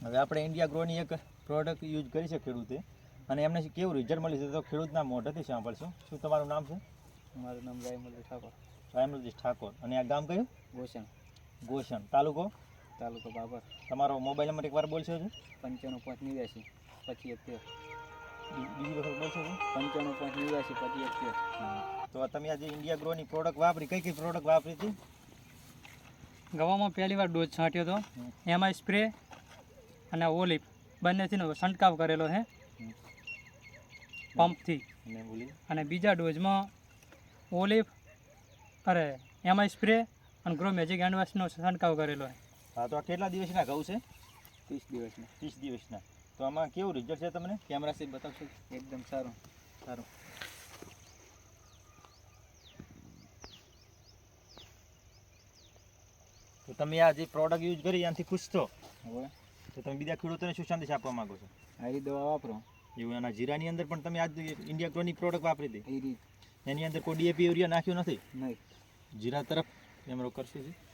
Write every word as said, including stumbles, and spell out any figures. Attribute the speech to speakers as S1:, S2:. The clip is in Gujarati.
S1: હવે આપણે ઇન્ડિયા ગ્રોની એક પ્રોડક્ટ યુઝ કરી છે ખેડૂતે અને એમને કેવું રિઝલ્ટ મળ્યું છે તો ખેડૂતના મોઢેથી સાંભળશું. શું તમારું નામ છે?
S2: મારું નામ રાયમલજી ઠાકોર.
S1: રાયમલજી ઠાકોર. અને આ ગામ કયું?
S2: ગોસણ.
S1: ગોસણ. તાલુકો?
S2: તાલુકો બાબર.
S1: તમારો મોબાઈલ નંબર એકવાર બોલશો છો?
S2: પંચાણું પાંચ નેવ્યાસી પચીસ એકતેર.
S1: બીજી વખત બોલશો છો?
S2: પંચાણું પાંચ નેવ્યાસી પચીસ એકતેર.
S1: તો તમે આજે ઇન્ડિયા ગ્રોની પ્રોડક્ટ વાપરી, કઈ કઈ પ્રોડક્ટ વાપરી હતી?
S3: ગવામાં પહેલી વાર ડોઝ છાંટ્યો હતો, એમાં સ્પ્રે અને ઓલિપ બંનેથીનો છંટકાવ કરેલો છે પંપથી.
S1: અને બોલી
S3: અને બીજા ડોઝમાં ઓલિપ અરે એમાં સ્પ્રે અને ગ્રો મેજિક હેન્ડવોશનો છંટકાવ કરેલો છે.
S1: હા, તો આ કેટલા દિવસના ઘઉં છે?
S2: ત્રીસ દિવસમાં.
S1: ત્રીસ દિવસના. તો આમાં કેવું રિઝલ્ટ છે તમને?
S2: કેમેરા સીટ બતાવશો? એકદમ સારું.
S1: સારું. તો તમે આ જે પ્રોડક્ટ યુઝ કરી એનાથી ખુશ છો?
S2: હવે
S1: તો તમે બીજા ખેડૂતોને શું સંદેશ આપવા માંગો છો?
S2: આ દવા વાપરો.
S1: એવું એના જીરાની અંદર પણ તમે આજ ઇન્ડિયા ગ્રોની પ્રોડક્ટ વાપરી હતી,
S2: એ રીત
S1: એની અંદર કોઈ ડીએપી યુરિયા નાખ્યું નથી?
S2: નહીં.
S1: જીરા તરફ કેમેરો કરશે છે.